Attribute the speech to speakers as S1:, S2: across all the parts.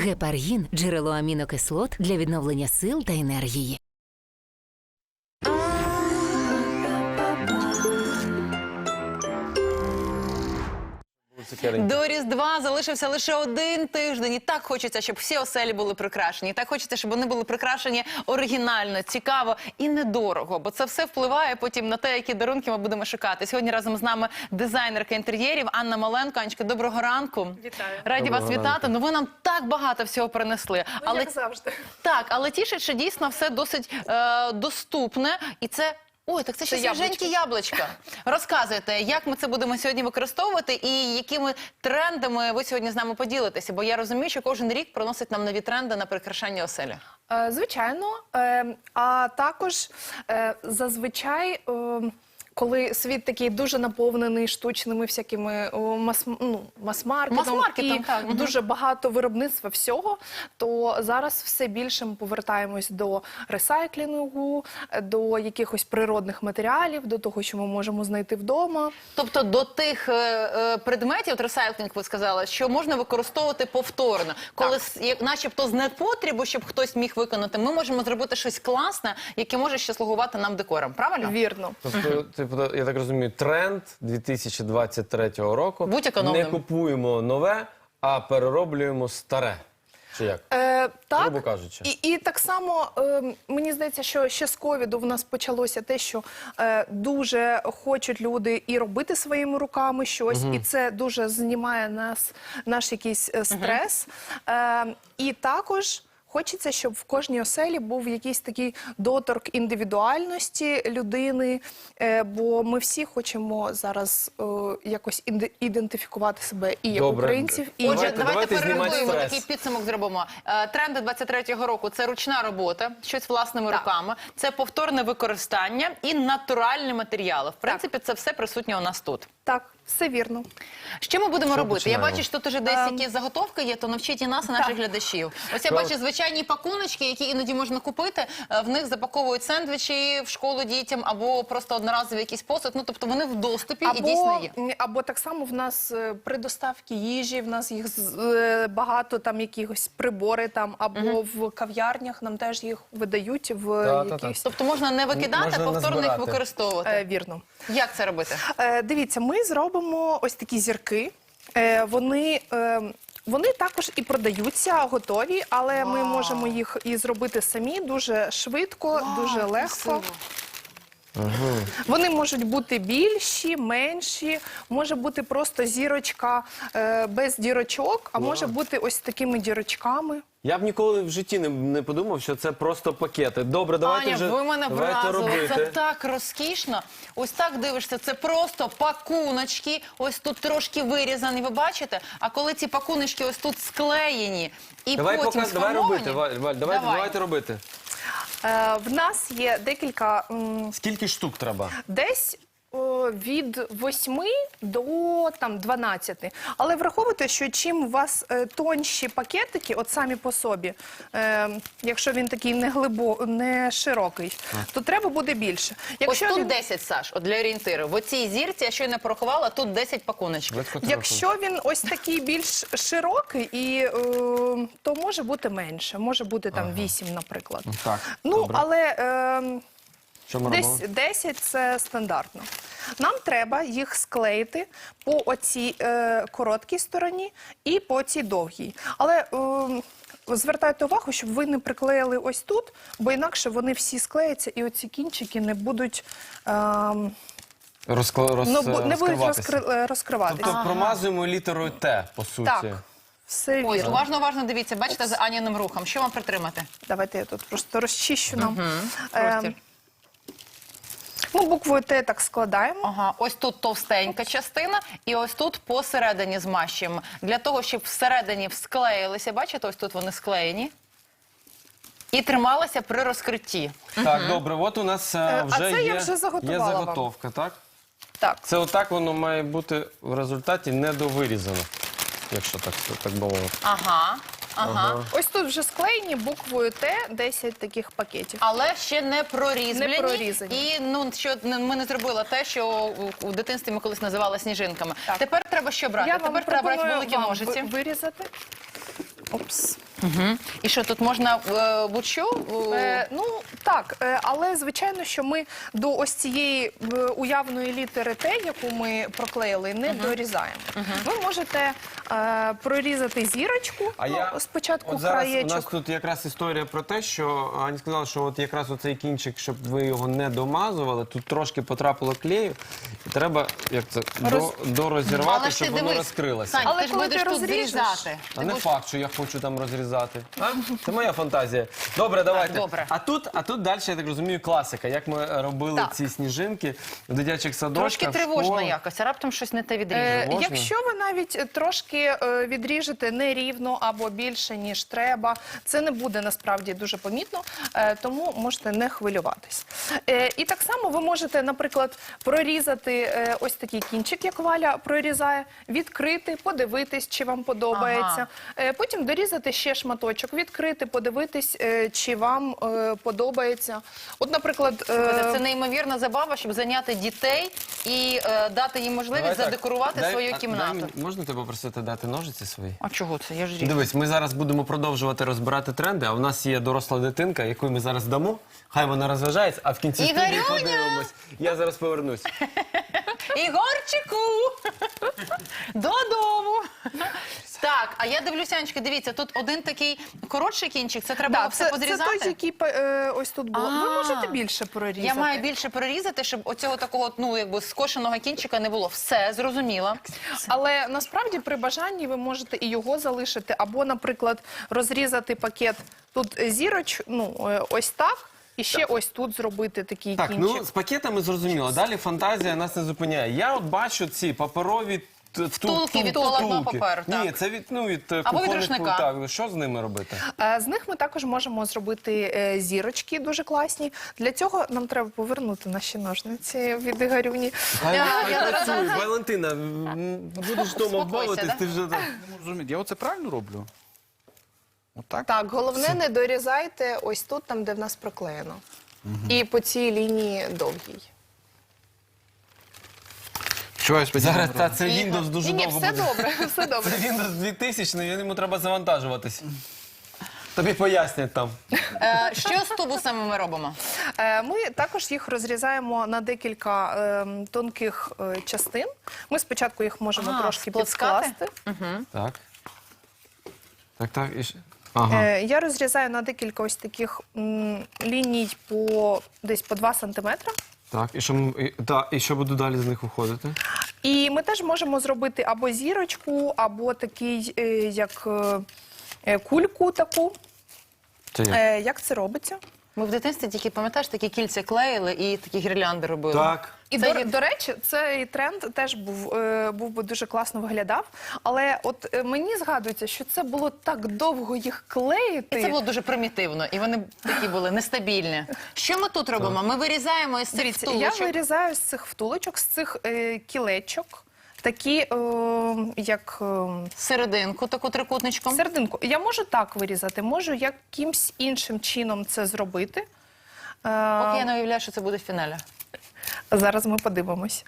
S1: Гепаргін – джерело амінокислот для відновлення сил та енергії.
S2: До Різдва залишився лише один тиждень. І так хочеться, щоб всі оселі були прикрашені. І так хочеться, щоб вони були прикрашені оригінально, цікаво і недорого. Бо це все впливає потім на те, які дарунки ми будемо шукати. Сьогодні разом з нами дизайнерка інтер'єрів Анна Маленко. Анечка, доброго ранку.
S3: Вітаю.
S2: Раді вас вітати. Ну ви нам так багато всього принесли.
S3: Ну, як завжди.
S2: Так, але тішить, що дійсно все досить доступне. І це... Ой, так це ще свіженькі яблучка. Розказуйте, як ми це будемо сьогодні використовувати і якими трендами ви сьогодні з нами поділитеся? Бо я розумію, що кожен рік приносить нам нові тренди на прикрашання оселі.
S3: Звичайно. А також зазвичай... Коли світ такий дуже наповнений штучними всякими мас-маркетом і дуже багато виробництва всього, то зараз все більше ми повертаємось до ресайклінгу, до якихось природних матеріалів, до того, що ми можемо знайти вдома.
S2: Тобто до тих предметів, от ресайклінг ви сказали, що можна використовувати повторно. Коли начебто з непотребу, щоб хтось міг виконати, ми можемо зробити щось класне, яке може ще слугувати нам декором. Правильно?
S3: Вірно.
S4: Я так розумію, тренд 2023 року.
S2: Будь економним.
S4: Не купуємо нове, а перероблюємо старе. Чи як?
S3: Так,
S4: грубо кажучи.
S3: І так само, мені здається, що ще з ковіду в нас почалося те, що дуже хочуть люди і робити своїми руками щось, і це дуже знімає наш якийсь стрес. І також... Хочеться, щоб в кожній оселі був якийсь такий доторк індивідуальності людини, бо ми всі хочемо зараз якось ідентифікувати себе і як українців, і...
S2: Отже, давайте перерахуємо, такий підсумок зробимо. Тренди 23-го року – це ручна робота, щось власними руками, це повторне використання і натуральні матеріали. В принципі, це все присутнє у нас тут.
S3: Так, все вірно.
S2: Що ми будемо робити? Я бачу, що тут уже десь якісь заготовки є, то навчіть і нас, і наших глядачів. Ось я бачу звичайні пакуночки, які іноді можна купити. В них запаковують сендвічі в школу дітям, або просто одноразовий якийсь посуд. Ну, тобто вони в доступі і дійсно є.
S3: Або так само в нас при доставці їжі, в нас їх багато, там якихось прибори, там, або в кав'ярнях нам теж їх видають в якихось...
S2: Тобто можна не викидати, а повторно їх використовувати.
S3: Вірно.
S2: Як це робити?
S3: Дивіться, ми зробимо ось такі зірки. Вони також і продаються готові, але ми можемо їх і зробити самі дуже швидко, дуже легко. Вони можуть бути більші, менші, може бути просто зірочка без дірочок, а може бути ось такими дірочками.
S4: Я б ніколи в житті не подумав, що це просто пакети. Добре, давайте
S2: Аня,
S4: вже
S2: ви мене вразили.
S4: робити.
S2: Це так розкішно. Ось так дивишся, це просто пакуночки. Ось тут трошки вирізані, ви бачите? А коли ці пакуночки ось тут склеєні і потім сформовані...
S4: Давайте робити.
S3: В нас є декілька...
S4: Скільки штук треба?
S3: Десь від 8 до 12. Але враховуйте, що чим у вас тонші пакетики, от самі по собі, якщо він такий не широкий, то треба буде більше.
S2: Ось тут 10, Саш, от для орієнтиру. В оцій зірці, я щойно порахувала, тут 10 пакуночків.
S3: Якщо він ось такий більш широкий, то може бути менше, може бути там 8, наприклад.
S4: Так,
S3: ну, але...
S4: Десь
S3: 10 – це стандартно. Нам треба їх склеїти по оцій короткій стороні і по цій довгій. Але звертайте увагу, щоб ви не приклеїли ось тут, бо інакше вони всі склеяться і оці кінчики не будуть... не будуть розкриватися.
S4: Тобто промазуємо літерою Т, по суті.
S3: Так, все вірно.
S2: Ось, уважно дивіться, бачите, за Аніним рухом. Що вам притримати?
S3: Давайте я тут просто розчищу нам. Ми буквою Т так складаємо.
S2: Ага, ось тут товстенька частина, і ось тут посередині змащуємо. Для того, щоб всередині склеїлися, бачите, ось тут вони склеєні. І трималися при розкритті.
S4: Так, добре, от у нас вже є
S3: заготовка,
S4: так?
S3: Так.
S4: Це отак воно має бути в результаті недовирізано, якщо так би мовити.
S2: Ага.
S3: Ось тут вже склеєні буквою Т 10 таких пакетів.
S2: Але ще не прорізблені.
S3: Не прорізані.
S2: І що ми не зробили те, що у дитинстві ми колись називали сніжинками.
S3: Так.
S2: Тепер треба що брати? Тепер треба брати великі ножиці.
S3: Вирізати. Опс.
S2: І що, тут можна будь-що?
S3: Ну так, але звичайно, що ми до ось цієї уявної літери Т, яку ми проклеїли, не дорізаємо. Ви можете прорізати зірочку, спочатку
S4: от зараз у
S3: краєчок.
S4: нас тут якраз історія про те, що Аня сказала, що от якраз оцей кінчик, щоб ви його не домазували, тут трошки потрапило клею, і треба як це дорозірвати,
S2: Але ж
S4: щоб
S2: ти
S4: воно
S2: дивись,
S4: розкрилося.
S2: Сань,
S3: Але
S2: ти ж
S3: коли
S2: будеш
S3: ти
S2: тут
S3: розріжеш,
S2: зрізати.
S4: А не факт, що я хочу там розрізати. Це моя фантазія. Добре, давайте.
S2: добре.
S4: А тут далі, я так розумію, класика. Як ми робили
S3: Так.
S4: ці сніжинки в дитячих садочках.
S2: Трошки
S4: в
S2: тривожно
S4: школах.
S2: якось, а раптом щось не те відріже.
S4: Можна?
S3: Якщо ви навіть трошки відріжете нерівно або більше, ніж треба, це не буде насправді дуже помітно, тому можете не хвилюватись. І так само ви можете, наприклад, прорізати ось такий кінчик, як Валя прорізає, відкрити, подивитись, чи вам подобається. Потім дорізати ще шматочок, відкрити, подивитись, чи вам подобається. От, наприклад,
S2: Це неймовірна забава, щоб зайняти дітей і дати їм можливість
S4: Давай так.
S2: задекорувати свою кімнату.
S4: Можна тебе попросити дати ножиці свої?
S2: А чого це? Я ж ріжу.
S4: Дивись, ми зараз будемо продовжувати розбирати тренди, а у нас є доросла дитинка, яку ми зараз дамо. Хай вона розважається, а в кінці студії
S2: Ігорюня!
S4: подивимось. Я зараз повернусь.
S2: Ігорчику! Додому! Так, а я дивлюся, Анечка, дивіться, тут один такий коротший кінчик, це треба було все
S3: це
S2: позрізати?
S3: той, який ось тут було. Ви можете більше прорізати.
S2: Я маю більше прорізати, щоб оцього такого, ну, якби скошеного кінчика не було. Все, зрозуміла.
S3: Але насправді при бажанні ви можете і його залишити, або, наприклад, розрізати пакет тут ось так, і ще ось тут зробити такий
S4: Так,
S3: кінчик.
S4: ну з пакетами зрозуміло. Далі фантазія нас не зупиняє. Я от бачу ці паперові
S2: Втулки від туалетного паперу, так.
S4: Ні, це від
S2: від
S4: кухонних
S2: рушника.
S4: Так, що з ними робити?
S3: З них ми також можемо зробити зірочки дуже класні. Для цього нам треба повернути наші ножниці від Ігорюні.
S4: Хай
S2: я
S4: працює. Валентина, будеш вдома
S2: Успокойся,
S4: бавитись,
S2: да?
S4: ти вже так.
S5: Не можу зрозуміти, я оце правильно роблю? Отак?
S3: Так, головне не дорізайте ось тут, там, де в нас проклеєно. І по цій лінії довгій.
S5: Що я сподіваюся?
S4: Зараз та, це Windows дуже
S3: Ні,
S4: довго
S3: все
S4: буде.
S3: добре, все добре.
S4: Це Windows 2000, йому треба завантажуватись. Тобі пояснять там.
S2: Що з тубусами ми робимо?
S3: Ми також їх розрізаємо на декілька тонких частин. Ми спочатку їх можемо трошки
S2: сплескати?
S3: підскласти.
S4: Так. Так, і ще. Ага.
S3: Я розрізаю на декілька ось таких ліній десь по 2 сантиметри.
S4: Так, і що буду далі з них уходити?
S3: І ми теж можемо зробити або зірочку, або такий, як кульку таку.
S4: Це як?
S3: Як це робиться?
S2: Ми в дитинстві тільки, пам'ятаєш, такі кільця клеїли і такі гірлянди робили.
S4: Так.
S3: І,
S2: Це
S3: до речі, цей тренд теж був би дуже класно виглядав. Але от мені згадується, що це було так довго їх клеїти.
S2: І це було дуже примітивно, і вони такі були нестабільні. Що ми тут робимо? Ми вирізаємо із цих
S3: Дивіться, я
S2: втулочок.
S3: вирізаю з цих втулочок, з цих кілечок, такі, як
S2: Серединку, таку трикутничком.
S3: серединку. Я можу так вирізати, можу якимсь іншим чином це зробити.
S2: Поки я не уявляю, що це буде в фіналі.
S3: Зараз ми подивимось.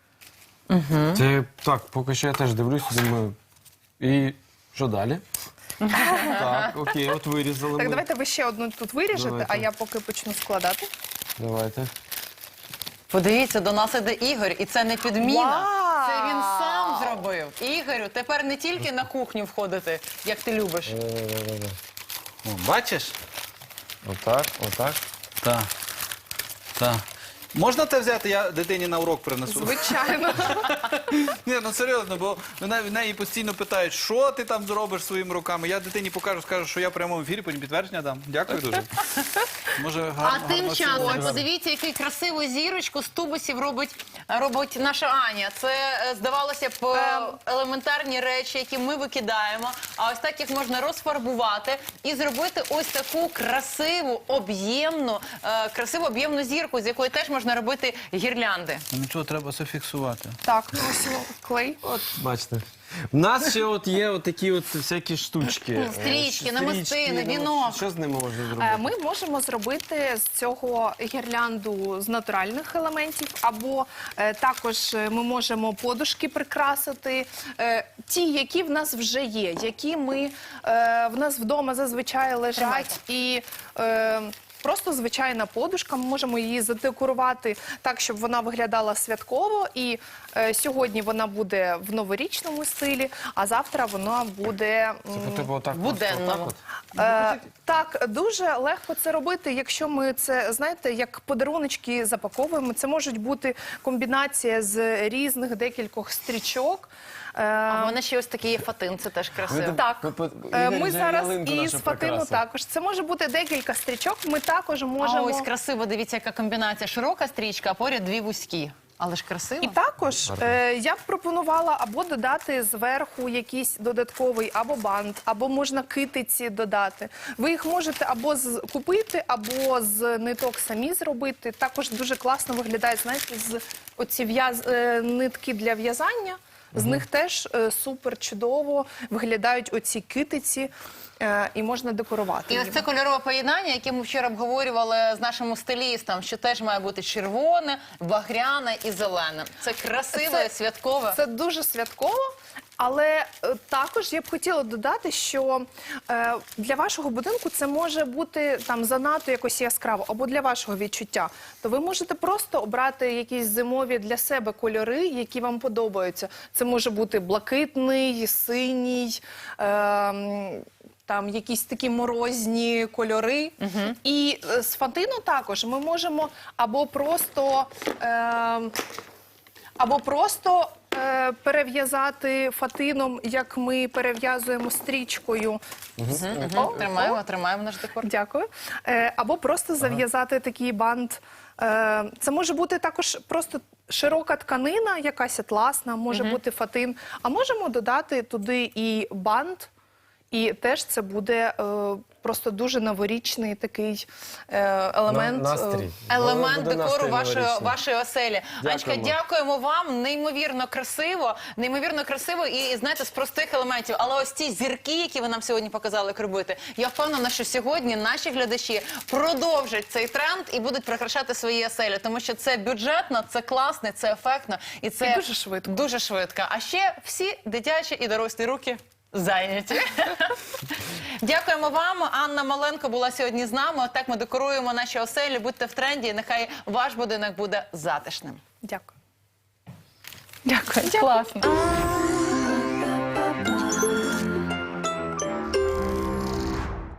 S4: Це так, поки що я теж дивлюся, думаю. І що далі? Так, окей, от вирізали
S3: Так,
S4: ми.
S3: давайте ви ще одну тут виріжете,
S4: Давайте.
S3: а я поки почну складати.
S4: Давайте.
S2: Подивіться, до нас іде Ігор, і це не підміна.
S3: Вау!
S2: Це він сам зробив. Ігорю, тепер не тільки на кухню входити, як ти любиш.
S5: О, бачиш?
S4: Отак, отак.
S5: Так. Так. Можна те взяти, я дитині на урок принесу?
S3: Звичайно.
S5: Ні, ну серйозно, бо в неї постійно питають, що ти там зробиш своїми руками. Я дитині покажу, скажу, що я в прямому ефірі, потім підтвердження дам. Дякую дуже. Може,
S2: А
S5: гарно,
S2: тим
S5: гарно
S2: часом,
S5: сьогодні.
S2: подивіться, яку красиву зірочку з тубусів робить наша Аня. Це, здавалося б, елементарні речі, які ми викидаємо. А ось так їх можна розфарбувати і зробити ось таку красиву, об'ємну зірку, з якої теж можна робити гірлянди.
S5: Ну, нічого, треба зафіксувати.
S3: Так, ну ось клей.
S4: От, бачите. У нас ще от є от такі от всякі штучки.
S2: Стрічки, намистини, вінок.
S4: Що з ними можна зробити?
S3: Ми можемо зробити з цього гірлянду з натуральних елементів, або також ми можемо подушки прикрасити, ті, які в нас вже є, які в нас вдома зазвичай лежать і... Просто звичайна подушка, ми можемо її задекорувати так, щоб вона виглядала святково. І сьогодні вона буде в новорічному стилі, а завтра вона буде
S4: Типу отак
S2: буденному.
S3: так, дуже легко це робити, якщо ми це, знаєте, як подаруночки запаковуємо. Це можуть бути комбінація з різних декількох стрічок.
S2: А в мене ще ось такий є фатин, це теж красиво.
S3: Так, ми зараз із фатину також. Це може бути декілька стрічок. Ми також
S2: А
S3: можемо...
S2: ось красиво, дивіться, яка комбінація. Широка стрічка, а поряд дві вузькі. Але ж красиво.
S3: І також я б пропонувала або додати зверху якийсь додатковий або бант, або можна китиці додати. Ви їх можете або купити, або з ниток самі зробити. Також дуже класно виглядає, знаєте, з оці нитки для в'язання. З них теж супер чудово виглядають оці китиці, і можна декорувати.
S2: І ось це кольорове поєднання, яке ми вчора обговорювали з нашим стилістом, що теж має бути червоне, багряне і зелене. Це красиве, святкове.
S3: Це дуже святково. Але також я б хотіла додати, що для вашого будинку це може бути там занадто якось яскраво, або для вашого відчуття. То ви можете просто обрати якісь зимові для себе кольори, які вам подобаються. Це може бути блакитний, синій, там якісь такі морозні кольори. І з фатину також ми можемо або просто перев'язати фатином, як ми перев'язуємо стрічкою.
S2: Тримаємо наш декор.
S3: Дякую. Або просто зав'язати такий бант. Це може бути також просто широка тканина, якась атласна, може бути фатин. А можемо додати туди і бант, і теж це буде просто дуже новорічний такий елемент.
S4: Настрій.
S2: Елемент
S4: Буде
S2: декору
S4: настрій новорічний.
S2: вашої оселі. Анечка, дякуємо вам. Неймовірно красиво і, знаєте, з простих елементів. Але ось ці зірки, які ви нам сьогодні показали, як робити, я впевнена, що сьогодні наші глядачі продовжать цей тренд і будуть прикрашати свої оселі. Тому що це бюджетно, це класно, це ефектно і це
S3: дуже швидко.
S2: Дуже швидко. А ще всі дитячі і дорослі руки зайняті. Дякуємо вам. Анна Маленко була сьогодні з нами. Отак ми декоруємо наші оселі. Будьте в тренді, і нехай ваш будинок буде затишним.
S3: Дякую. Дякую. Класно.